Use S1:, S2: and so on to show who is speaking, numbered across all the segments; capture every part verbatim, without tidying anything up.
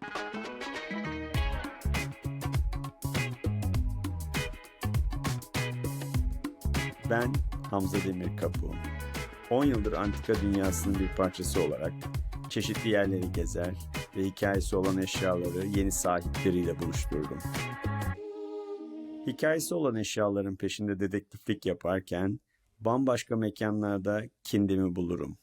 S1: Ben Hamza Demirkapı. on yıldır antika dünyasının bir parçası olarak çeşitli yerleri gezer ve hikayesi olan eşyaları yeni sahipleriyle buluşturdum. Hikayesi olan eşyaların peşinde dedektiflik yaparken bambaşka mekanlarda kendimi bulurum.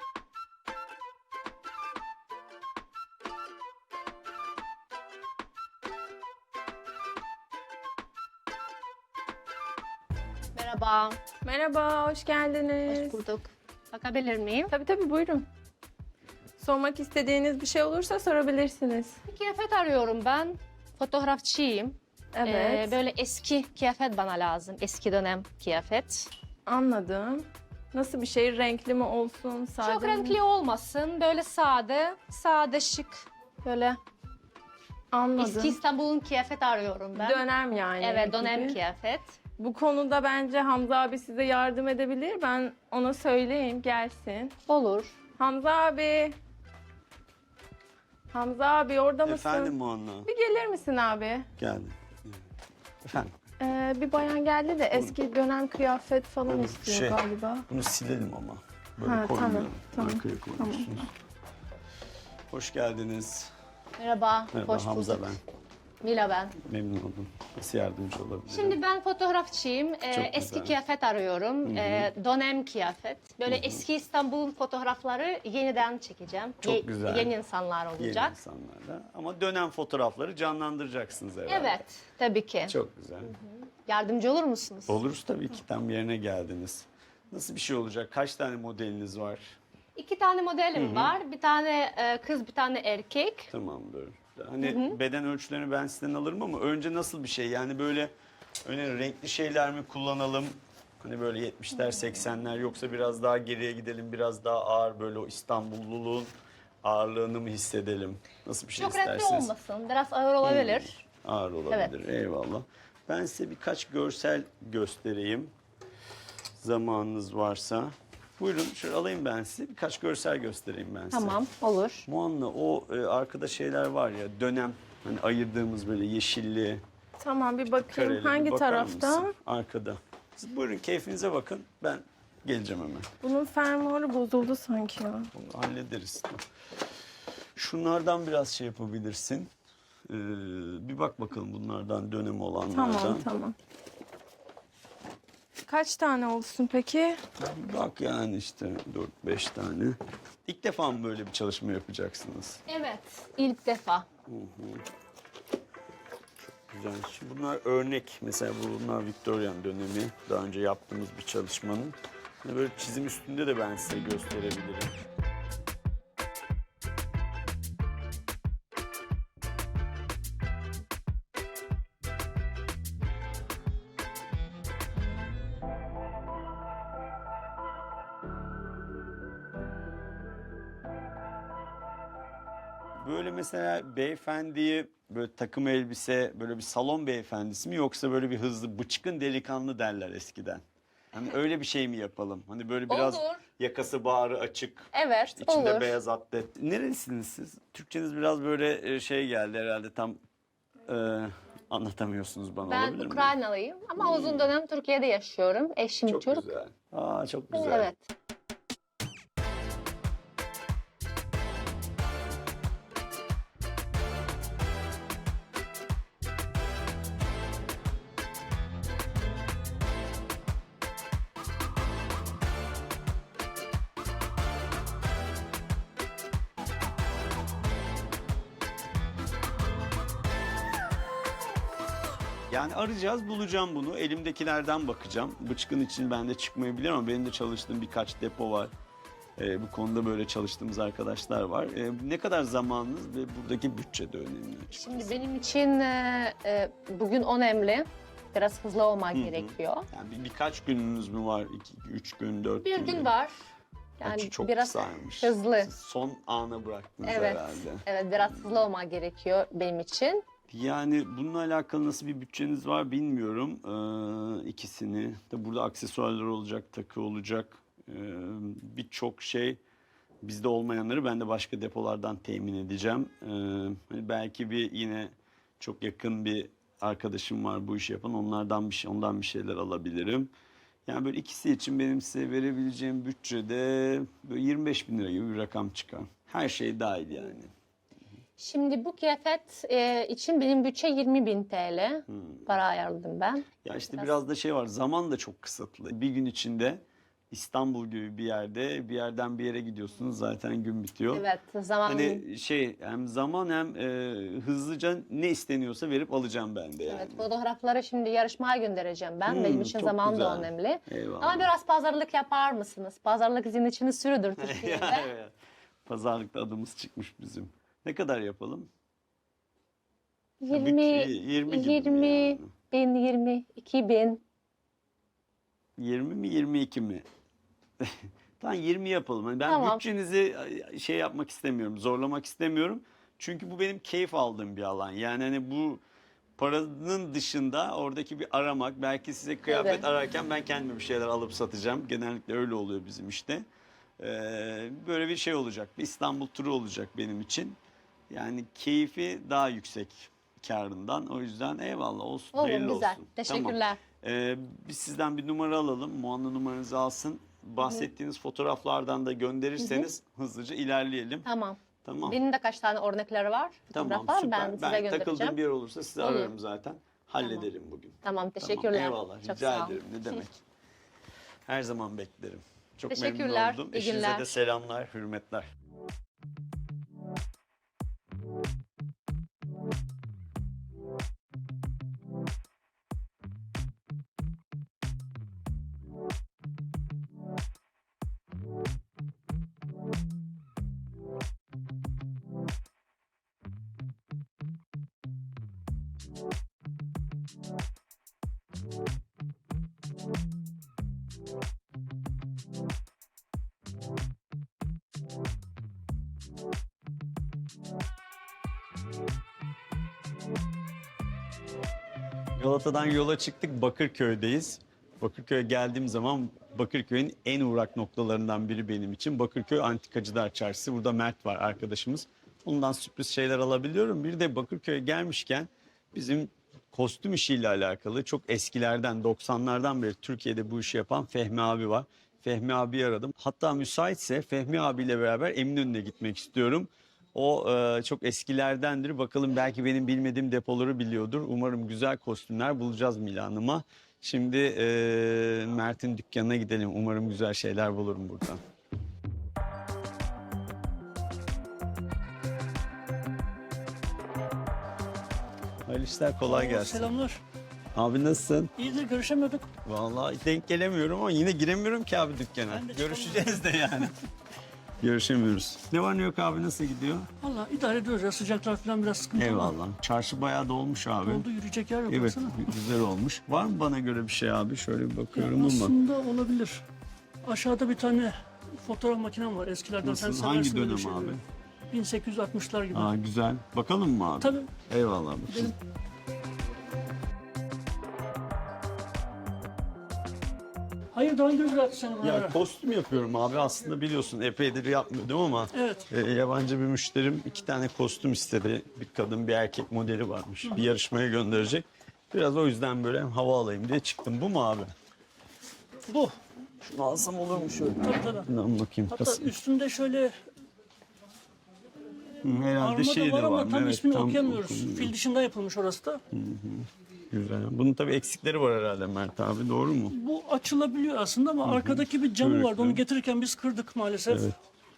S2: Merhaba.
S3: Merhaba, hoş geldiniz.
S2: Hoş bulduk. Bakabilir miyim?
S3: Tabii tabii, buyurun. Sormak istediğiniz bir şey olursa sorabilirsiniz.
S2: Bir kıyafet arıyorum ben. Fotoğrafçıyım.
S3: Evet,
S2: Ee, böyle eski kıyafet bana lazım. Eski dönem kıyafet.
S3: anladım. Nasıl bir şey? Renkli mi olsun, sade
S2: Çok
S3: mi?
S2: renkli olmasın. Böyle sade, sade şık. Böyle
S3: Anladım.
S2: eski İstanbul'un kıyafet arıyorum ben.
S3: Dönem yani.
S2: Evet, dönem
S3: gibi.
S2: kıyafet.
S3: Bu konuda bence Hamza abi size yardım edebilir. Ben ona söyleyeyim, gelsin.
S2: Olur.
S3: Hamza abi. Hamza abi, orada mısın?
S1: Efendim Muanna.
S3: Bir gelir misin abi?
S1: Geldim. Efendim.
S3: Ee, bir bayan geldi de eski dönem kıyafet falan
S1: Olur,
S3: istiyor
S1: şey,
S3: galiba.
S1: Bunu silelim ama. Böyle
S3: Ha,
S1: koymayalım.
S3: tamam,
S1: Arkaya koyuyorsunuz. Hoş geldiniz.
S2: Merhaba.
S1: Merhaba,
S2: Hoş
S1: Hamza
S2: bulduk.
S1: ben.
S2: Mila ben.
S1: Memnun oldum. Nasıl yardımcı olabilirim?
S2: Şimdi ben fotoğrafçıyım. Ee,
S1: Çok
S2: eski
S1: güzel.
S2: kıyafet arıyorum. Ee, dönem kıyafet. Böyle eski İstanbul'un fotoğrafları yeniden çekeceğim.
S1: Çok güzel.
S2: Yeni insanlar
S1: Yeni
S2: olacak.
S1: insanlarla. Ama dönem fotoğrafları canlandıracaksınız herhalde.
S2: Evet, tabii ki.
S1: Çok güzel.
S2: Yardımcı olur musunuz?
S1: Oluruz tabii ki, tam yerine geldiniz. Nasıl bir şey olacak? Kaç tane modeliniz var?
S2: İki tane modelim var. Bir tane e, kız, bir tane erkek.
S1: Tamamdır. Hani beden ölçülerini ben sizden alırım ama önce nasıl bir şey? Yani böyle öyle renkli şeyler mi kullanalım? Hani böyle yetmişler, seksenler, yoksa biraz daha geriye gidelim, biraz daha ağır, böyle o İstanbulluluğun ağırlığını mı hissedelim? Nasıl bir şey
S2: Çok renkli
S1: isterseniz?
S2: olmasın. Biraz ağır olabilir.
S1: Ağır olabilir. Eyvallah. Ben size birkaç görsel göstereyim. Zamanınız varsa. Buyurun, şöyle alayım ben size. Birkaç görsel göstereyim ben size.
S2: Tamam, olur.
S1: Muanna, o e, arkada şeyler var ya, dönem, hani ayırdığımız böyle yeşilli,
S3: Tamam, bir bakayım.
S1: kareli. Bir
S3: Hangi
S1: bakar
S3: tarafta?
S1: mısın? Arkada. Siz buyurun, keyfinize bakın. Ben geleceğim hemen.
S3: Bunun fermuarı bozuldu sanki ya.
S1: Onu hallederiz. Şunlardan biraz şey yapabilirsin. Ee, bir bak bakalım bunlardan, dönemi olanlardan.
S3: Tamam, tamam. Kaç tane olsun peki?
S1: Bir bak yani işte dört beş tane. İlk defa mı böyle bir çalışma yapacaksınız?
S2: Evet, ilk defa.
S1: Güzel. Şimdi bunlar örnek. Mesela bunlar Victorian dönemi. Daha önce yaptığımız bir çalışmanın. Hani böyle çizim üstünde de ben size gösterebilirim. Böyle mesela beyefendiyi böyle takım elbise, böyle bir salon beyefendisi mi, yoksa böyle bir hızlı bıçkın delikanlı derler eskiden. Hani öyle bir şey mi yapalım? Hani böyle biraz
S2: Olur.
S1: yakası bağrı açık.
S2: Evet,
S1: işte içinde
S2: olur.
S1: beyaz atlet. Nerelisiniz siz? Türkçeniz biraz böyle e, şey geldi herhalde, tam e, anlatamıyorsunuz bana,
S2: Ben
S1: olabilir mi?
S2: Ukraynalıyım ama uzun dönem Türkiye'de yaşıyorum. Eşim
S1: Çok
S2: Türk.
S1: güzel. Aa, çok güzel.
S2: Evet.
S1: Yani arayacağız, bulacağım bunu. Elimdekilerden bakacağım. Bıçkın için ben de çıkmayabilir ama benim de çalıştığım birkaç depo var. Ee, bu konuda böyle çalıştığımız arkadaşlar var. Ee, ne kadar zamanınız ve buradaki bütçe de önemli.
S2: Şimdi benim için e, e, bugün önemli. Biraz hızlı olmak gerekiyor.
S1: Yani bir, birkaç gününüz mü var? İki, üç gün, dört
S2: Bir
S1: gün
S2: gün
S1: mü?
S2: var.
S1: Yani
S2: Yani
S1: çok
S2: biraz
S1: kısaymış.
S2: hızlı.
S1: Siz son ana bıraktınız
S2: Evet.
S1: herhalde.
S2: Evet, biraz hızlı olmak gerekiyor benim için.
S1: Yani bununla alakalı nasıl bir bütçeniz var bilmiyorum. Ee, ikisini. Tabii burada aksesuarlar olacak, takı olacak. Ee, birçok şey Bizde olmayanları ben de başka depolardan temin edeceğim. Ee, hani belki bir yine çok yakın bir arkadaşım var bu işi yapan. Onlardan bir şey, ondan bir şeyler alabilirim. Yani böyle ikisi için benim size verebileceğim bütçede böyle yirmi beş bin lira gibi bir rakam çıkar. Her şey dahil yani.
S2: Şimdi bu kıyafet e, için benim bütçe yirmi bin T L.
S1: Hmm.
S2: Para ayarladım ben.
S1: Ya işte
S2: Biraz-
S1: biraz da şey var, zaman da çok kısıtlı. Bir gün içinde İstanbul gibi bir yerde bir yerden bir yere gidiyorsunuz, zaten gün bitiyor.
S2: Evet, zaman
S1: Hani şey, hem zaman hem e, hızlıca ne isteniyorsa verip alacağım ben de yani.
S2: evet, fotoğrafları şimdi yarışmaya göndereceğim ben.
S1: Hmm,
S2: Benim için
S1: çok
S2: zaman
S1: güzel.
S2: da önemli.
S1: Eyvallah.
S2: Ama biraz pazarlık yapar mısınız? Pazarlık sizin için sürüdür Türkiye'de.
S1: Evet. Pazarlıkta adımız çıkmış bizim. Ne kadar yapalım?
S2: yirmi,
S1: bütçe- yirmi gibi mi
S2: yirmi
S1: yani?
S2: bin, yirmi iki bin.
S1: yirmi mi yirmi iki mi? Tamam, yirmi yapalım. Hani ben
S2: Tamam.
S1: bütçenizi şey yapmak istemiyorum, zorlamak istemiyorum. Çünkü bu benim keyif aldığım bir alan. Yani hani bu paranın dışında oradaki bir aramak, belki size kıyafet
S2: Evet.
S1: ararken ben kendime bir şeyler alıp satacağım. Genellikle öyle oluyor bizim işte. Ee, böyle bir şey olacak. Bir İstanbul turu olacak benim için. Yani keyfi daha yüksek karından. O yüzden eyvallah olsun.
S2: Olur,
S1: hayırlı
S2: güzel.
S1: olsun.
S2: Teşekkürler.
S1: Tamam. Ee, biz sizden bir numara alalım. Muanna numaranızı alsın. Bahsettiğiniz fotoğraflardan da gönderirseniz hızlıca ilerleyelim.
S2: Tamam.
S1: Tamam.
S2: Benim de kaç tane örnekleri var.
S1: Tamam,
S2: Fotoğraf var.
S1: süper.
S2: Ben
S1: Ben,
S2: size
S1: takıldığım
S2: göndereceğim.
S1: bir yer olursa sizi
S2: Olur.
S1: ararım zaten. Hallederim bugün.
S2: Tamam, teşekkürler.
S1: Tamam, eyvallah.
S2: Çok
S1: Rica
S2: sağ ol.
S1: ederim. Ne demek. Her zaman beklerim. Çok
S2: Teşekkürler,
S1: memnun oldum.
S2: iyi
S1: Eşinize
S2: günler.
S1: de selamlar, hürmetler. Galata'dan yola çıktık, Bakırköy'deyiz. Bakırköy'e geldiğim zaman Bakırköy'ün en uğrak noktalarından biri benim için. Bakırköy Antikacılar Çarşısı. Burada Mert var arkadaşımız. Ondan sürpriz şeyler alabiliyorum. Bir de Bakırköy'e gelmişken bizim kostüm işiyle alakalı çok eskilerden, doksanlardan beri Türkiye'de bu işi yapan Fehmi abi var. Fehmi abi aradım. Hatta müsaitse Fehmi abiyle beraber Eminönü'ne gitmek istiyorum. O e, çok eskilerdendir. Bakalım, belki benim bilmediğim depoları biliyordur. Umarım güzel kostümler bulacağız Milan'ıma. Şimdi e, Mert'in dükkanına gidelim. Umarım güzel şeyler bulurum buradan. Hayırlı işler, kolay gelsin.
S4: Selamlar.
S1: Abi nasılsın?
S4: İyidir, görüşemiyorduk.
S1: Vallahi denk gelemiyorum ama yine giremiyorum ki abi dükkana.
S4: Ben de
S1: Görüşeceğiz de yani. Görüşemiyoruz. Ne var ne yok abi, nasıl gidiyor?
S4: Valla idare ediyoruz ya, sıcaklar falan biraz sıkıntı ama
S1: Eyvallah. Çarşı bayağı dolmuş abi.
S4: oldu, yürüyecek yer yok.
S1: Evet,
S4: baksana.
S1: güzel olmuş. Var mı bana göre bir şey abi? Şöyle bir bakıyorum ama.
S4: Aslında olabilir. Aşağıda bir tane fotoğraf makinem var eskilerden.
S1: Nasıl?
S4: Sen
S1: Hangi
S4: seversin böyle
S1: dönem
S4: şeyleri.
S1: abi?
S4: bin sekiz yüz altmışlar gibi.
S1: Aa, güzel. Bakalım mı abi?
S4: Tabii.
S1: Eyvallah abi.
S4: Benim- Hayır, daha önce bıraktı seni bana.
S1: Ya kostüm yapıyorum abi. Aslında biliyorsun epeydir yapmıyordum ama
S4: Evet.
S1: e, yabancı bir müşterim iki tane kostüm istedi. Bir kadın bir erkek modeli varmış. Bir yarışmaya gönderecek. Biraz o yüzden böyle hava alayım diye çıktım. Bu mu abi?
S4: Bu.
S1: Şunu alsam olur mu şöyle?
S4: Tabii tabii.
S1: Bundan bakayım.
S4: Hatta
S1: Kas-
S4: üstünde şöyle
S1: Hı, herhalde
S4: armada
S1: şey
S4: var
S1: de
S4: ama
S1: var.
S4: tam
S1: Evet,
S4: ismini
S1: tam
S4: okuyamıyoruz.
S1: okumuyor.
S4: Fil dışında yapılmış orası da.
S1: Güzel. Bunun tabii eksikleri var herhalde Mert abi, doğru mu?
S4: Bu açılabiliyor aslında ama arkadaki bir camı vardı.
S1: Körüklü.
S4: Onu getirirken biz kırdık maalesef.
S1: Evet.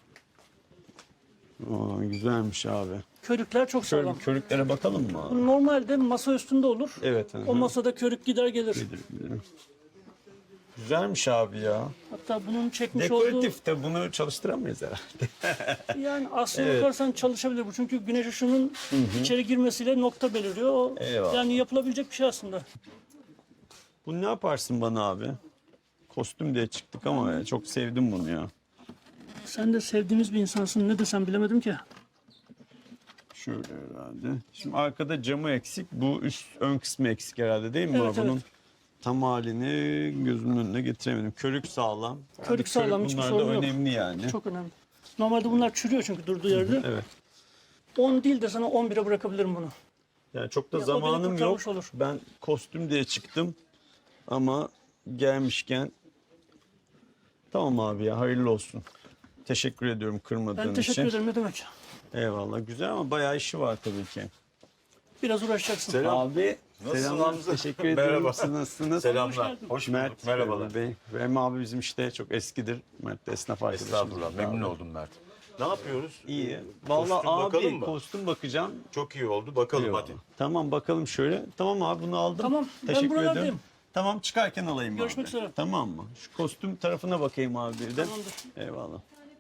S1: Aa, güzelmiş abi.
S4: Körükler çok
S1: Şöyle
S4: sağlam.
S1: bir körüklere bakalım mı abi?
S4: Normalde masa üstünde olur.
S1: Evet. hı hı.
S4: O masada körük gider gelir.
S1: Bilirim, bilirim. Güzelmiş abi ya.
S4: Hatta bunun çekmiş olduğu...
S1: Dekoratif de bunu çalıştıramayız herhalde.
S4: Yani aslına
S1: Evet.
S4: bakarsan çalışabilir bu. Çünkü güneş ışığının içeri girmesiyle nokta beliriyor. O,
S1: Eyvallah.
S4: yani yapılabilecek bir şey aslında.
S1: Bunu ne yaparsın bana abi? Kostüm diye çıktık ama ya, çok sevdim bunu ya.
S4: Sen de sevdiğimiz bir insansın. Ne desem bilemedim ki.
S1: Şöyle herhalde. Şimdi arkada camı eksik. Bu üst ön kısmı eksik herhalde değil mi?
S4: Evet,
S1: Bunun
S4: evet.
S1: tam halini gözümün önüne getiremedim. Körük sağlam.
S4: Körük sağlam, hiçbir
S1: bunlar da
S4: sorun yok.
S1: önemli yani.
S4: Çok önemli. Normalde bunlar çürüyor çünkü durduğu yerde.
S1: Evet.
S4: on değil de sana on bire bırakabilirim bunu.
S1: Yani çok da
S4: Ya, o beni
S1: zamanım yok.
S4: kurtarmış olur.
S1: Ben kostüm diye çıktım. Ama gelmişken tamam abi ya, hayırlı olsun. Teşekkür ediyorum kırmadığın
S4: Ben teşekkür
S1: için.
S4: ederim, ne demek.
S1: Eyvallah, güzel ama bayağı işi var tabii ki.
S4: Biraz uğraşacaksın.
S5: Selam.
S1: Abi
S5: Nasılsın
S1: selamlar,
S5: Hamza?
S1: teşekkür ediyorum.
S5: Merhaba.
S1: Siz nasılsınız?
S5: Selamlar.
S4: geldin.
S5: Hoş bulduk.
S1: Mert,
S5: Merhabalar.
S1: Bey. Rem abi bizim işte çok eskidir. Mert de esnaf arkadaşımız.
S5: Estağfurullah. Memnun oldum Mert. Ne yapıyoruz?
S1: İyi.
S5: Ee,
S1: Vallahi
S5: kostüm
S1: abi
S5: bakalım mı?
S1: kostüm bakacağım.
S5: Çok iyi oldu. Bakalım
S1: Eyvallah.
S5: hadi.
S1: Tamam bakalım şöyle. Tamam abi bunu aldım.
S4: Tamam, ben
S1: Teşekkür
S4: buralardayım.
S1: ediyorum. Tamam çıkarken alayım
S4: Görüşmek
S1: abi.
S4: üzere.
S1: Tamam mı? Şu kostüm tarafına bakayım abi bir de.
S4: Tamamdır.
S1: Eyvallah.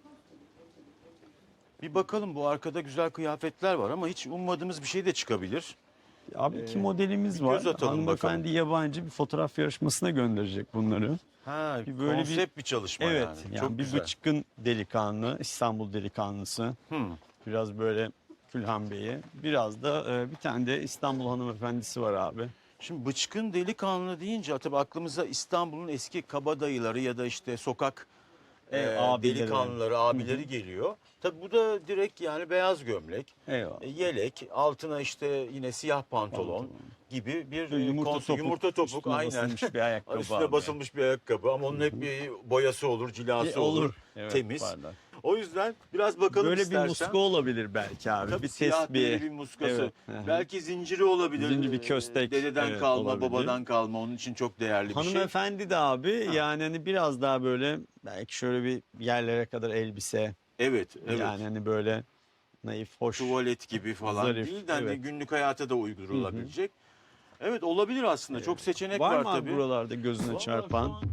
S5: Bir bakalım, bu arkada güzel kıyafetler var ama hiç ummadığımız bir şey de çıkabilir.
S1: Abi iki modelimiz
S5: Ee, bir
S1: var.
S5: göz atalım
S1: Hanımefendi
S5: bakalım.
S1: yabancı bir fotoğraf yarışmasına gönderecek bunları.
S5: Ha,
S1: Bir böyle bir-
S5: konsept bir, çalışma
S1: Evet.
S5: yani.
S1: Yani,
S5: Çok
S1: bir
S5: güzel.
S1: bıçkın delikanlı, İstanbul delikanlısı.
S5: Hmm.
S1: Biraz böyle Külhan Bey'i. Biraz da e, bir tane de İstanbul hanımefendisi var abi.
S5: Şimdi bıçkın delikanlı deyince tabii aklımıza İstanbul'un eski kabadayıları ya da işte sokak
S1: E,
S5: e,
S1: abileri.
S5: delikanlıları, abileri geliyor. Tabii bu da direkt yani beyaz gömlek,
S1: Eyvallah.
S5: e, yelek, altına işte yine siyah pantolon,
S1: Pantolon.
S5: gibi bir
S1: Böyle
S5: e,
S1: yumurta
S5: konse-
S1: topuk,
S5: yumurta topuk
S1: üstüne
S5: aynen.
S1: basılmış bir ayakkabı
S5: Üstüne
S1: abi.
S5: basılmış bir ayakkabı ama onun hep bir boyası olur, cilası
S1: E,
S5: olur,
S1: olur. Evet,
S5: temiz.
S1: pardon.
S5: O yüzden biraz bakalım
S1: Böyle
S5: istersen.
S1: bir muska olabilir belki abi.
S5: Tabii
S1: bir
S5: siyah deri
S1: tesbih.
S5: bir muskası.
S1: Evet, hı hı.
S5: Belki zinciri olabilir.
S1: Zincir, bir köstek.
S5: Dededen
S1: Evet,
S5: kalma,
S1: olabilir.
S5: babadan kalma. Onun için çok değerli bir şey.
S1: Hanımefendi de abi yani hani biraz daha böyle belki şöyle bir yerlere kadar elbise.
S5: Evet, evet.
S1: Yani hani böyle naif, hoş.
S5: Tuvalet gibi falan
S1: Zarif,
S5: değil de hani
S1: evet.
S5: günlük hayata da uydurulabilecek. Evet, olabilir aslında. Çok seçenek var,
S1: Var mı abi
S5: tabii.
S1: buralarda gözüne
S5: Vallahi
S1: çarpan?
S5: şu an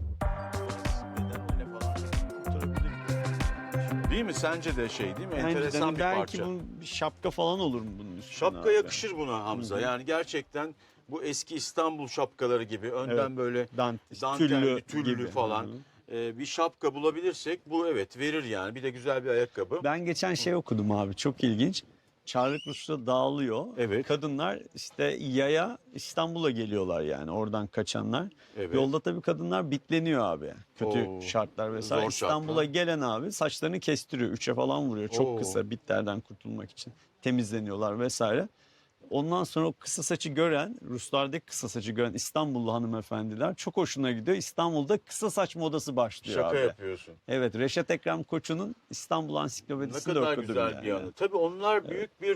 S5: bedenle falan kurtarabilir. Değil mi? Sence de şey değil mi?
S1: Bence de
S5: Enteresan
S1: hani
S5: bir
S1: belki
S5: parça.
S1: bunun bir şapka falan olur mu bunun üstüne?
S5: Şapka
S1: abi?
S5: yakışır buna Hamza. Yani gerçekten bu eski İstanbul şapkaları gibi önden
S1: Evet.
S5: böyle
S1: Dant,
S5: dantelli,
S1: tüllü,
S5: tüllü
S1: gibi.
S5: falan
S1: Hı hı.
S5: e, bir şapka bulabilirsek bu evet verir yani. Bir de güzel bir ayakkabı.
S1: Ben geçen şey okudum abi, çok ilginç. Çarlık Rus'ta dağılıyor.
S5: Evet.
S1: Kadınlar işte yaya İstanbul'a geliyorlar yani oradan kaçanlar.
S5: Evet.
S1: Yolda tabii kadınlar bitleniyor abi. Kötü
S5: Oo,
S1: şartlar vesaire.
S5: zor
S1: İstanbul'a
S5: şartlar.
S1: gelen abi saçlarını kestiriyor. Üçe falan vuruyor. Çok
S5: Oo.
S1: kısa, bitlerden kurtulmak için. Temizleniyorlar vesaire. Ondan sonra o kısa saçı gören, Ruslardaki kısa saçı gören İstanbullu hanımefendiler çok hoşuna gidiyor. İstanbul'da kısa saç modası başlıyor
S5: Şaka
S1: abi.
S5: yapıyorsun.
S1: Evet, Reşat Ekrem Koçu'nun İstanbul
S5: Ne
S1: Ansiklopedisi'nde
S5: kadar
S1: okudum
S5: güzel
S1: yani.
S5: bir anı. Tabii onlar büyük bir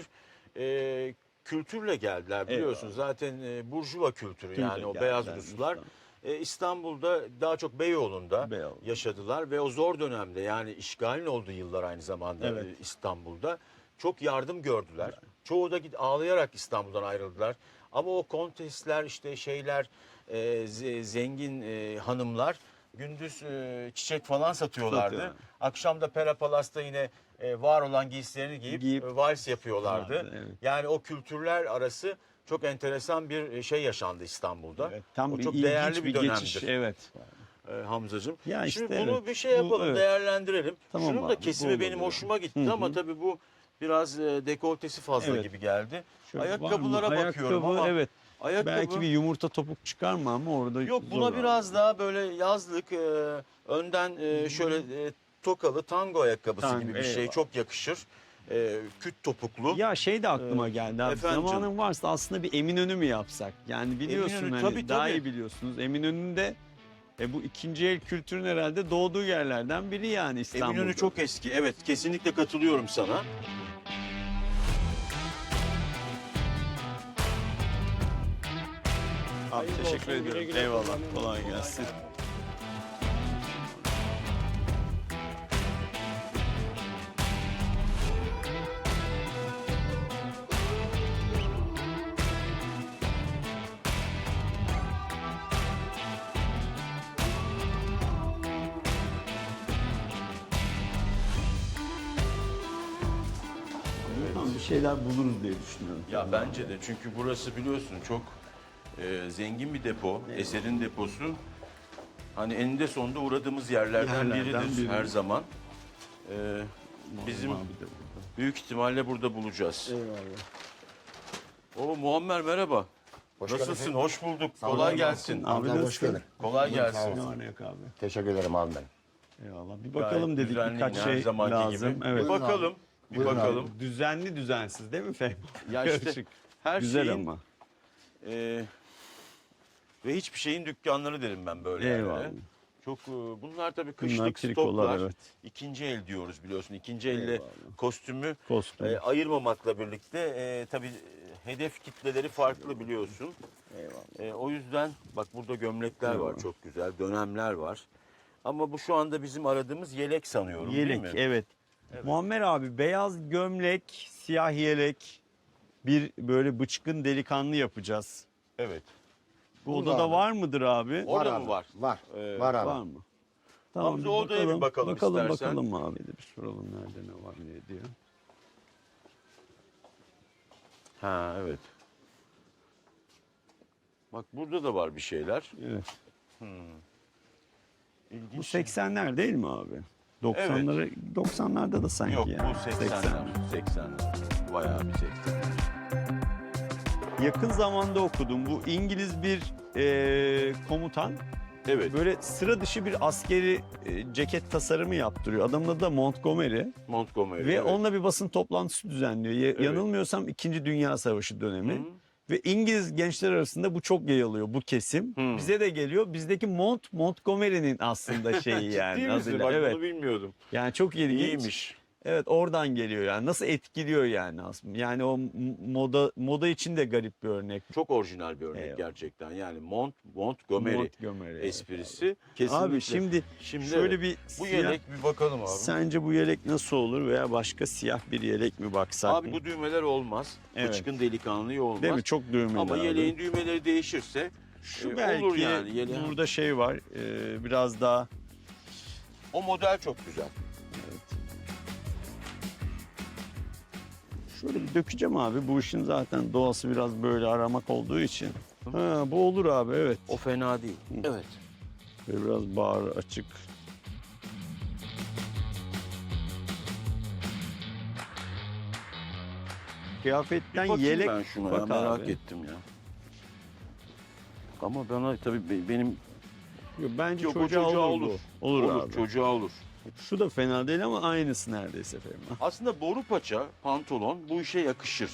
S5: e, kültürle geldiler biliyorsun.
S1: Eyvallah.
S5: Zaten e, burjuva kültürü
S1: Kültür
S5: yani o
S1: geldiler,
S5: beyaz Ruslar. E, İstanbul'da daha çok Beyoğlu'nda
S1: Beyoğlu.
S5: yaşadılar ve o zor dönemde yani işgalin olduğu yıllar aynı zamanda
S1: Evet.
S5: e, İstanbul'da çok yardım gördüler. Çoğu da git ağlayarak İstanbul'dan ayrıldılar. Ama o kontesler işte şeyler e, ze- zengin e, hanımlar gündüz e, çiçek falan satıyorlardı.
S1: Satıyorlar.
S5: Akşam da Pera Palas'ta yine e, var olan giysilerini giyip,
S1: Giyip-
S5: e, vals yapıyorlardı.
S1: Vardı, evet.
S5: Yani o kültürler arası çok enteresan bir e, şey yaşandı İstanbul'da.
S1: Evet, tam
S5: o
S1: bir
S5: çok
S1: ilginç
S5: değerli bir,
S1: bir
S5: dönemdir.
S1: geçiş. Evet.
S5: e, Hamzacığım.
S1: Ya
S5: Şimdi
S1: işte
S5: bunu
S1: evet.
S5: bir şey
S1: Bu,
S5: yapalım,
S1: evet.
S5: değerlendirelim.
S1: Tamam
S5: Şunun
S1: abi,
S5: da
S1: bu
S5: kesimi
S1: olabilir
S5: benim
S1: abi.
S5: hoşuma gitti
S1: Hı hı.
S5: ama tabii bu biraz e, dekoltesi fazla
S1: Evet.
S5: gibi geldi.
S1: Şöyle var mı?
S5: Ayakkabılara bakıyorum
S1: Ayakkabı,
S5: ama
S1: evet.
S5: ayakkabı
S1: Belki bir yumurta topuk çıkar mı ama orada
S5: yok,
S1: zor
S5: buna
S1: abi.
S5: biraz daha böyle yazlık e, önden e, şöyle e, tokalı tango ayakkabısı
S1: Tango,
S5: gibi bir şey
S1: eyvallah.
S5: çok yakışır. E, küt topuklu.
S1: Ya şey de aklıma geldi abi.
S5: efendim
S1: Zamanın
S5: canım.
S1: varsa aslında bir Eminönü mü yapsak? Yani biliyorsun
S5: Eminönü,
S1: hani
S5: tabii,
S1: daha
S5: tabii.
S1: iyi biliyorsunuz. Eminönü'nde e, bu ikinci el kültürün herhalde doğduğu yerlerden biri yani İstanbul'da.
S5: Eminönü çok eski. Evet, kesinlikle katılıyorum sana.
S1: Abi teşekkür ediyorum. Eyvallah. Kolay gelsin. Tamam, bir şeyler buluruz diye düşünüyorum.
S5: Ya bence de, çünkü burası biliyorsun çok e, zengin bir depo, eserin deposu. Hani eninde sonunda uğradığımız yerlerden,
S1: Yerlerden
S5: biridir
S1: biri.
S5: her zaman. E, bizim
S1: Abi de burada.
S5: büyük ihtimalle burada bulacağız.
S1: Eyvallah.
S5: Oo, Muammer merhaba.
S6: Hoş
S5: Nasılsın?
S6: geldin.
S5: Hoş bulduk.
S6: olun,
S5: Kolay
S6: abi.
S5: gelsin.
S1: Abi
S6: Abi hoş
S1: nasılsın?
S6: geldin.
S5: Kolay
S6: Sağ
S5: gelsin.
S6: ol.
S1: Ne var ne yok abi?
S6: Teşekkür ederim abi ben.
S1: Eyvallah. Bir bakalım dedik
S5: düzenli
S1: birkaç
S5: her
S1: şey
S5: zamanki
S1: lazım.
S5: gibi.
S1: Evet.
S5: Bir bakalım. Bir
S6: Buyurun abi.
S5: bakalım.
S1: Düzenli düzensiz değil mi Fehmi?
S5: Ya işte
S1: Karışık.
S5: her
S1: Güzel
S5: şeyin
S1: ama.
S5: e, ve hiçbir şeyin dükkanları derim ben böyle
S1: Eyvallah.
S5: yerlere. Çok e, bunlar tabii
S1: Bunlar
S5: kışlık
S1: trikolar,
S5: stoklar.
S1: evet.
S5: İkinci el diyoruz biliyorsun. İkinci elle
S1: Eyvallah.
S5: kostümü
S1: Kostüm.
S5: e, ayırmamakla birlikte e, tabii e, hedef kitleleri farklı biliyorsun.
S1: Eyvallah.
S5: E, o yüzden bak burada gömlekler var
S1: Eyvallah.
S5: çok güzel, dönemler var. Ama bu şu anda bizim aradığımız yelek sanıyorum
S1: Yelek
S5: değil mi?
S1: evet. Muammer abi beyaz gömlek, siyah yelek, bir böyle bıçkın delikanlı yapacağız.
S5: Evet.
S1: Bu
S6: Burada
S1: odada
S6: abi.
S1: var mıdır abi?
S5: Orada
S6: Var
S5: mı
S6: abi,
S5: var?
S6: Var.
S5: Ee,
S6: var abi.
S1: Var mı? Tamam,
S5: Hamza, odaya bir bakalım
S1: Bakalım
S5: istersen.
S1: bakalım abi de bir soralım nerede ne var ne diyor.
S5: Ha evet. Bak burada da var bir şeyler.
S1: Evet.
S5: İlginç.
S1: Bu seksenler değil mi abi? doksanları doksanlarda da sanki
S5: Yok
S1: yani.
S5: bu seksenler. seksenler. Bayağı bir seksenler.
S1: Yakın zamanda okudum. Bu İngiliz bir e, komutan
S5: Evet.
S1: böyle sıra dışı bir askeri e, ceket tasarımı yaptırıyor. Adamın adı da Montgomery.
S5: Montgomery.
S1: Ve
S5: evet.
S1: onunla bir basın toplantısı düzenliyor. Ya-
S5: Evet.
S1: Yanılmıyorsam İkinci Dünya Savaşı dönemi.
S5: Hı.
S1: Ve İngiliz gençler arasında bu çok yayılıyor bu kesim.
S5: Hı.
S1: Bize de geliyor. Bizdeki Mont Montgomery'nin aslında şeyi yani.
S5: Ciddi misin?
S1: adıyla.
S5: Bak
S1: Evet.
S5: bunu bilmiyordum.
S1: Yani çok ilginç.
S5: İyiymiş.
S1: Evet oradan geliyor yani. Nasıl etkiliyor yani aslında. Yani o m- moda moda için de garip bir örnek.
S5: Çok orijinal bir örnek
S1: Eyvallah.
S5: gerçekten. Yani Mont Montgomery
S1: Montgomery.
S5: esprisi. Kesinlikle.
S1: Abi şimdi,
S5: Şimdi
S1: şöyle
S5: evet.
S1: bir
S5: bu
S1: siyah-
S5: yelek bir bakalım abi.
S1: Sence bu yelek nasıl olur veya başka siyah bir yelek mi baksak
S5: Abi
S1: mı?
S5: bu düğmeler olmaz.
S1: Evet.
S5: Bıçkın delikanlı olmaz.
S1: Değil mi? Çok düğmeli
S5: Ama
S1: abi.
S5: yeleğin düğmeleri değişirse
S1: Şu
S5: e,
S1: belki
S5: olur yani. Yeleğin-
S1: burada şey var. e, biraz daha
S5: O model çok güzel.
S1: şöyle bir dökeceğim abi. Bu işin zaten doğası biraz böyle aramak olduğu için. Ha, bu olur abi evet.
S5: O fena değil. Evet.
S1: Böyle biraz bağır açık. Kıyafetten
S5: Bakayım
S1: yelek
S5: ben şuna ya,
S1: bak
S5: merak
S1: abi.
S5: ettim ya. Ama bana tabii be- benim
S1: Yok, bence
S5: Yok, o
S1: çocuğa,
S5: çocuğa
S1: olur.
S5: olur.
S1: bu. Olur,
S5: olur,
S1: abi.
S5: çocuğa olur.
S1: Şu da fena değil ama aynısı neredeyse efendim.
S5: Aslında boru paça pantolon bu işe yakışır.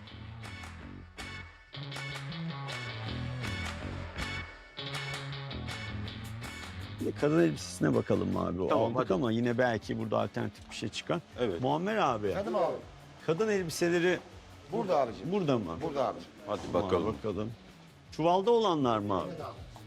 S1: Bir de kadın elbisesine bakalım abi. O
S5: Tamam,
S1: aldık
S5: hadi.
S1: ama yine belki burada alternatif bir şey çıkar.
S5: Evet.
S1: Muammer abi,
S6: Efendim abi.
S1: kadın elbiseleri
S6: Burada abicim.
S1: burada mı?
S6: Burada abicim.
S5: Hadi
S1: Tamam,
S5: bakalım.
S1: bakalım. Çuvalda olanlar mı abi?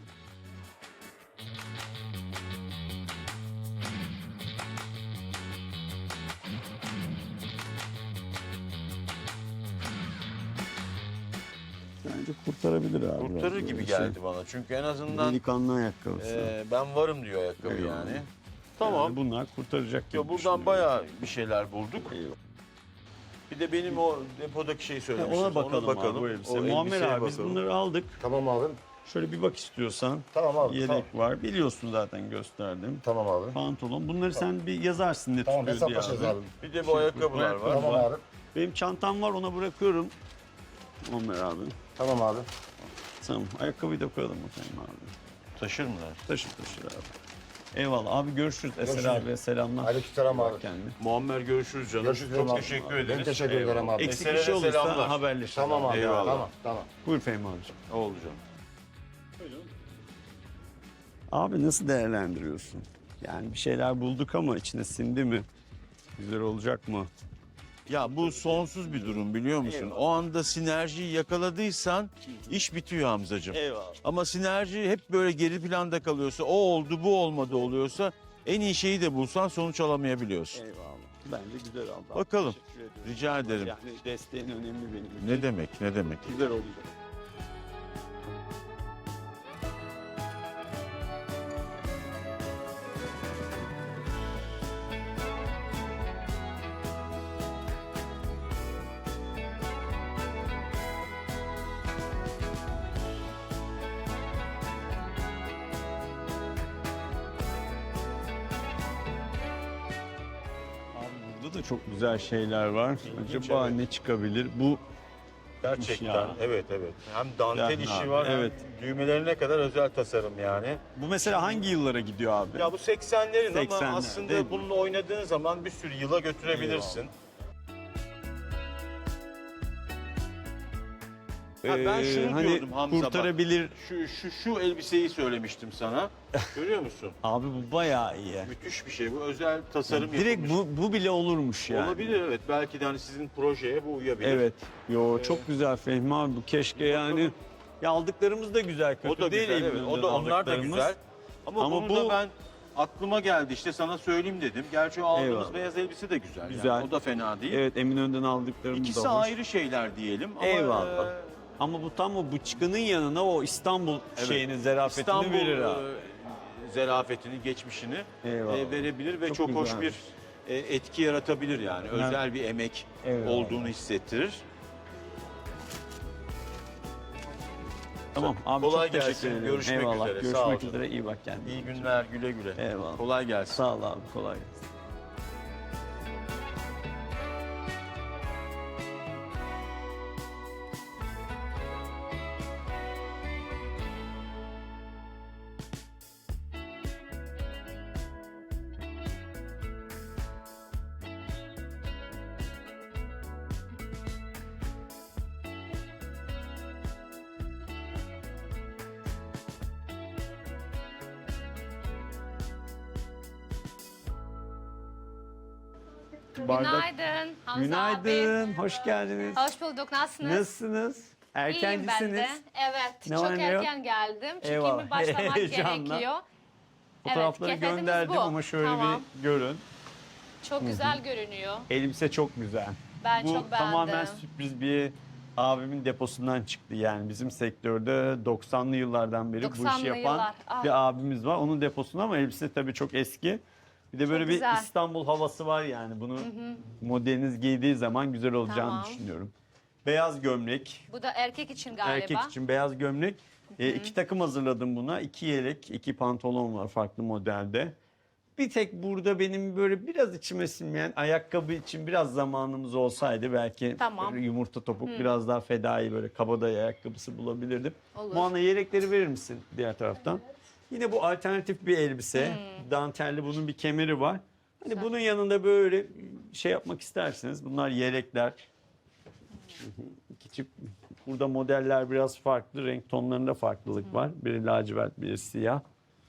S1: Bence kurtarabilir abi.
S5: Kurtarır
S1: biraz
S5: gibi
S1: böyle
S5: geldi
S1: şey.
S5: bana. Çünkü en azından
S1: Delikanlı ayakkabısı.
S5: e, ben varım diyor ayakkabı
S1: Eyvallah.
S5: yani.
S1: Yani
S5: Tamam.
S1: bunlar kurtaracak gibi
S5: Ya buradan
S1: düşünüyorum.
S5: bayağı bir şeyler bulduk.
S1: Eyvallah.
S5: Bir de benim o depodaki şeyi
S1: Ha,
S5: söylemiştim.
S1: ona bakalım, abi bu elbise.
S5: O
S1: Muammer
S5: elbiseye
S1: abi biz
S5: bakalım.
S1: bunları aldık.
S6: Tamam abi.
S1: Şöyle bir bak istiyorsan.
S6: Tamam abi.
S1: Yelek
S6: Tamam,
S1: var. Biliyorsun zaten gösterdim.
S6: tamam abi.
S1: Pantolon. Bunları sen bir yazarsın ne
S6: Tamam
S1: tutuyor diye
S6: hesaplaşacağız
S1: abi.
S6: abi.
S5: Bir de bu ayakkabılar var.
S6: Tamam abi.
S1: Benim çantam var ona bırakıyorum. Muammer abi.
S6: Tamam abi.
S1: Tamam. Ayakkabıyı da koyalım bakayım abi.
S5: Taşır mılar?
S1: Taşır taşır abi. Eyvallah abi görüşürüz. Eser
S6: Görüşürüz.
S1: abiye selamlar.
S6: Aleykümselam abi.
S1: Kendine.
S5: Muammer görüşürüz canım.
S6: Görüşürüz
S5: Çok
S6: abi.
S5: teşekkür
S6: Ben
S5: ederiz.
S6: teşekkür ederim
S5: Eyvallah.
S6: abi.
S1: Eksik
S5: Eser'e
S1: bir şey
S5: de
S1: olursa
S5: selamlar.
S1: haberleşiriz.
S6: Tamam abi.
S5: Eyvallah.
S6: Tamam. Tamam.
S1: Buyur Fehmi abicim.
S5: Oldu canım.
S1: Abi nasıl değerlendiriyorsun? Yani bir şeyler bulduk ama içine sindi mi? Güzel olacak mı?
S5: Ya bu sonsuz bir durum biliyor musun? O anda sinerjiyi yakaladıysan iş bitiyor Hamzacığım.
S1: Eyvallah.
S5: Ama sinerji hep böyle geri planda kalıyorsa, o oldu bu olmadı oluyorsa en iyi şeyi de bulsan sonuç alamayabiliyorsun.
S1: Eyvallah. Bence güzel oldu.
S5: Bakalım.
S1: Teşekkür ediyorum.
S5: Rica ederim.
S1: Yani desteğin önemli benim için.
S5: Ne demek, ne demek.
S1: Güzel olacak. Abi burada da çok güzel şeyler var. Acaba
S5: evet.
S1: ne çıkabilir? Bu
S5: Gerçekten
S1: ya.
S5: evet evet. Hem dantel
S1: Güzel
S5: işi
S1: abi,
S5: var
S1: evet.
S5: hem düğmelerine kadar özel tasarım yani.
S1: Bu mesela hangi yıllara gidiyor abi?
S5: Ya bu seksenlerin ama
S1: seksenler, değil
S5: aslında
S1: mi?
S5: bununla oynadığın zaman bir sürü yıla götürebilirsin. Ha, ben
S1: Ee,
S5: şunu
S1: hani
S5: diyordum Hamza bak.
S1: kurtarabilir.
S5: Şu, şu, şu elbiseyi söylemiştim sana. Görüyor musun?
S1: Abi bu bayağı iyi.
S5: Müthiş bir şey. Bu özel tasarım
S1: Direkt
S5: yapılmış.
S1: bu, bu bile olurmuş yani.
S5: Olabilir evet. Belki de hani sizin projeye bu uyabilir.
S1: Evet. Yo
S5: Ee,
S1: çok güzel Fehmi abi bu keşke yani. Ya aldıklarımız da güzel, kötü
S5: O da
S1: değil
S5: güzel evet.
S1: Eminönü'nden
S5: O da onlar da
S1: aldıklarımız.
S5: güzel. Ama,
S1: Ama
S5: bunu
S1: bu-
S5: da ben aklıma geldi işte sana söyleyeyim dedim. Gerçi o aldığımız
S1: Eyvallah.
S5: beyaz elbise de güzel.
S1: Güzel.
S5: Yani. O da fena değil.
S1: Evet Eminönü'nden aldıklarımız
S5: İkisi
S1: da hoş.
S5: ayrı şeyler diyelim. Ama
S1: Eyvallah.
S5: e,
S1: Ama bu tam o bıçkının yanına o İstanbul
S5: Evet.
S1: şeyini, zarafetini
S5: İstanbul
S1: verir ha.
S5: e, zarafetini, geçmişini
S1: Eyvallah.
S5: e, verebilir ve
S1: Çok
S5: çok, hoş
S1: güzelmiş.
S5: bir e, etki yaratabilir yani.
S1: Evet.
S5: Özel bir emek
S1: Eyvallah.
S5: olduğunu hissettirir.
S1: Tamam abi
S5: Kolay
S1: çok teşekkür
S5: gelsin.
S1: ederim.
S5: Görüşmek
S1: Eyvallah.
S5: üzere. Sağ ol
S1: Görüşmek
S5: canım.
S1: üzere. İyi bak kendine.
S5: İyi günler, güle güle.
S1: Eyvallah.
S5: Kolay gelsin.
S1: Sağ ol abi. Kolay gelsin. Bardak.
S2: Günaydın Hamza
S1: Günaydın.
S2: abi.
S1: Hoş geldiniz.
S2: Hoş bulduk. Nasılsınız?
S1: Nasılsınız?
S2: İyiyim ben
S1: Erkencisiniz.
S2: de. Evet.
S1: Ne
S2: çok
S1: var ne yok?
S2: erken geldim. Çünkü
S1: Eyvallah.
S2: başlamak
S1: Heyecanla.
S2: gerekiyor.
S1: Fotoğrafları
S2: Evet, kefetimiz
S1: gönderdim
S2: bu.
S1: ama şöyle
S2: Tamam.
S1: bir görün.
S2: Çok güzel görünüyor.
S1: Elbise çok güzel.
S2: Ben
S1: Bu
S2: çok beğendim.
S1: tamamen sürpriz bir abimin deposundan çıktı. Yani bizim sektörde doksanlı yıllardan beri bu işi
S2: doksanlı
S1: yapan
S2: yıllar. Ah.
S1: bir abimiz var. Onun deposunda ama elbise tabii çok eski. Bir de böyle
S2: Çok
S1: bir
S2: güzel.
S1: İstanbul havası var yani. Bunu modeliniz giydiği zaman güzel olacağını
S2: Tamam.
S1: düşünüyorum. Beyaz gömlek.
S2: Bu da erkek için galiba.
S1: Erkek için beyaz gömlek. E, iki takım hazırladım buna. İki yelek, iki pantolon var farklı modelde. Bir tek burada benim böyle biraz içime sinmeyen ayakkabı için biraz zamanımız olsaydı belki
S2: Tamam.
S1: böyle yumurta topuk biraz daha fedai böyle kabadayı ayakkabısı bulabilirdim.
S2: Olur.
S1: Muanna yelekleri verir misin diğer taraftan? Yine bu alternatif bir elbise.
S2: Hmm.
S1: Dantelli bunun bir kemeri var. Hani bunun yanında böyle şey yapmak isterseniz bunlar yelekler. İki çift. Burada modeller biraz farklı. Renk tonlarında farklılık var. Biri lacivert, biri siyah.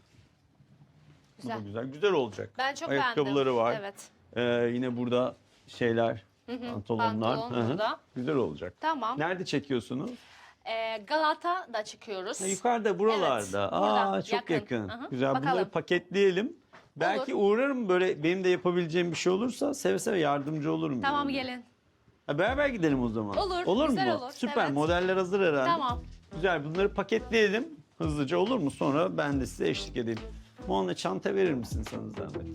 S1: Bu da
S2: Güzel.
S1: güzel. Güzel olacak.
S2: Ben çok
S1: Ayakkabıları
S2: beğendim.
S1: var.
S2: Evet.
S1: Ee, yine burada şeyler, pantolonlar.
S2: Pantolon
S1: Hı hı.
S2: burada.
S1: Güzel olacak.
S2: Tamam.
S1: Nerede çekiyorsunuz?
S2: Ee, Galata'da çıkıyoruz.
S1: Ha, yukarıda, buralarda.
S2: Evet,
S1: Aa,
S2: burada,
S1: çok
S2: yakın.
S1: yakın.
S2: Hı hı.
S1: Güzel.
S2: Bakalım.
S1: Bunları paketleyelim. Belki uğrarım böyle benim de yapabileceğim bir şey olursa seve seve yardımcı olurum.
S2: Tamam
S1: yani.
S2: gelin.
S1: Ha, beraber gidelim o zaman.
S2: Olur,
S1: Olur
S2: güzel
S1: mu?
S2: olur,
S1: Süper.
S2: evet.
S1: Modeller hazır herhalde.
S2: Tamam.
S1: Güzel. Bunları paketleyelim hızlıca olur mu? Sonra ben de size eşlik edeyim. Muanna çanta verir misin sana zahmet?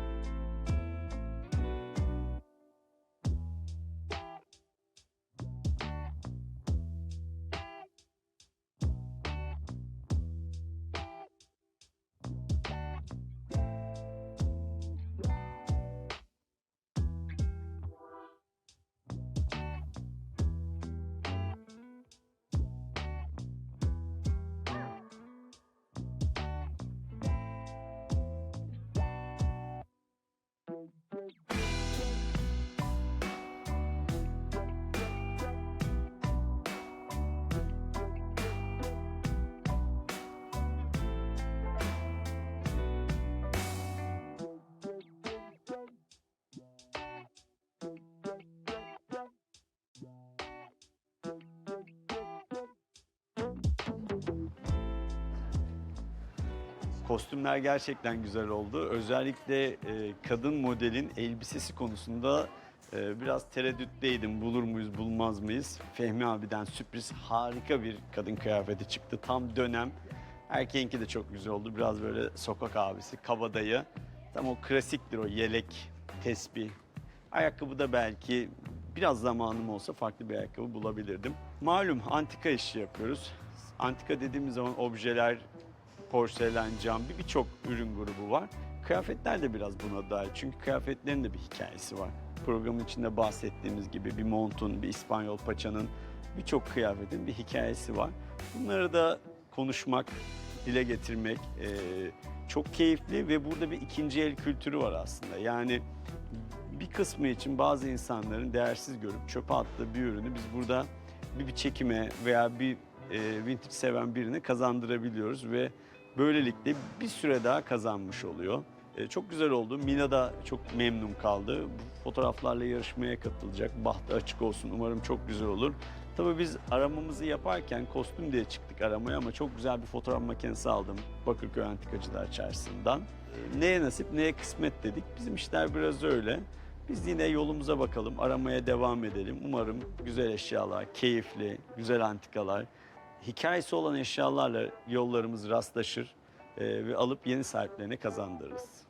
S1: Kostümler gerçekten güzel oldu. Özellikle e, kadın modelin elbisesi konusunda e, biraz tereddütteydim. Bulur muyuz, bulmaz mıyız? Fehmi abiden sürpriz harika bir kadın kıyafeti çıktı. Tam dönem. Erkeğinki de çok güzel oldu. Biraz böyle sokak abisi, kabadayı. Tam o klasiktir o yelek, tesbih. Ayakkabı da belki biraz zamanım olsa farklı bir ayakkabı bulabilirdim. Malum antika işi yapıyoruz. Antika dediğimiz zaman objeler, porselen, cam bir birçok ürün grubu var. Kıyafetler de biraz buna dahil. Çünkü kıyafetlerin de bir hikayesi var. programın içinde bahsettiğimiz gibi bir montun, bir İspanyol paçanın, birçok kıyafetin bir hikayesi var. Bunları da konuşmak, dile getirmek e, çok keyifli ve burada bir ikinci el kültürü var aslında. Yani bir kısmı için bazı insanların değersiz görüp çöpe attığı bir ürünü biz burada bir, bir çekime veya bir e, vintage seven birine kazandırabiliyoruz ve böylelikle bir süre daha kazanmış oluyor. E, çok güzel oldu. Mina da çok memnun kaldı. Bu fotoğraflarla yarışmaya katılacak. Bahtı açık olsun. Umarım çok güzel olur. Tabii biz aramamızı yaparken kostüm diye çıktık aramaya ama çok güzel bir fotoğraf makinesi aldım Bakırköy Antikacılar Çarşısı'ndan. E, neye nasip neye kısmet dedik. Bizim işler biraz öyle. Biz yine yolumuza bakalım, aramaya devam edelim. Umarım güzel eşyalar, keyifli, güzel antikalar, hikayesi olan eşyalarla yollarımız rastlaşır e, ve alıp yeni sahiplerine kazandırırız.